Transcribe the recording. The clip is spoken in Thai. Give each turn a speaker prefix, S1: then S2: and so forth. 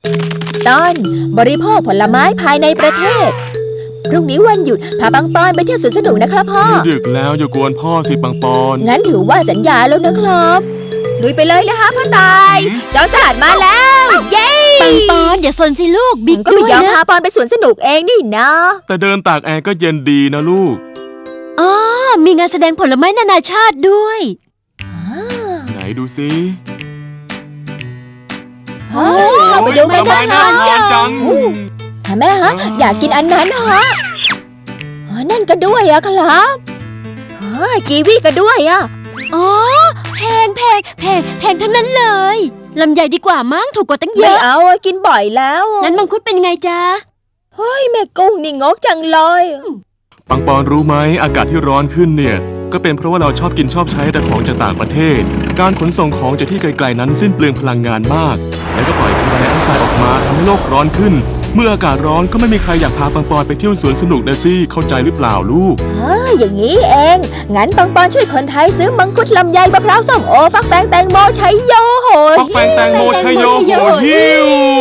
S1: ตอนบริโภคผลไม้ภายในประเทศพรุ่งนี้วันหยุดพาปังปอนไปเที่ยวสวนสนุกนะครับพ่อ
S2: ดึกแล้วอย่ากวนพ่อสิปังปอน
S1: งั้นถือว่าสัญญาแล้วนะครับลุยไปเลยนะคะพ่อตายเจ้าสลัดมาแล้วเย้
S3: ปังปอนอย่าสนสิลูกบิ๊ก
S1: ก็ไม่ยอมพาปอนไปสวนสนุกเองนี่นะ
S2: แต่เดินตากแอร์ก็เย็นดีนะลูก
S3: อ๋อมีงานแสดงผลไม้นานาชาติด้วย
S2: ไหนดูสิ
S1: เข้าไปดูกันเถอะนะ
S2: จัง
S1: แม่ฮะอยากกินอันนั้นฮะนั่นก็ด้วยอะครับกีวีก็ด้วยอะ
S3: อ๋อแพงทั้งนั้นเลยลำไยดีกว่ามั้งถูกกว่าตั้งเยอะ
S1: ไม่เอากินบ่อยแล้ว
S3: งั้นมังคุดเป็นไงจ๊ะ
S1: เฮ้ยแม่กุ้งนี่งกจังเลย
S2: ปังปอนรู้ไหมอากาศที่ร้อนขึ้นเนี่ยก็เป็นเพราะว่าเราชอบกินชอบใช้แต่ของจากต่างประเทศการขนส่งของจากที่ไกลๆนั้นสิ้นเปลืองพลังงานมากแล้วก็ปล่อยคาร์บอนไดออกไซด์ออกมาทำให้โลกร้อนขึ้นเมื่ออากาศร้อนก็ไม่มีใครอยากพาปังปอนไปเที่ยวสวนสนุกนะสิเข้าใจหรือเปล่าลูก
S1: อย่างนี้เองงั้นปังปอนช่วยคนไทยซื้อมังคุดลำไยมะพร้าวส้มโอฟักแฟงแตงโมชัยโยโห
S2: ฟักแฟงแตงโมชัยโยโหฮิว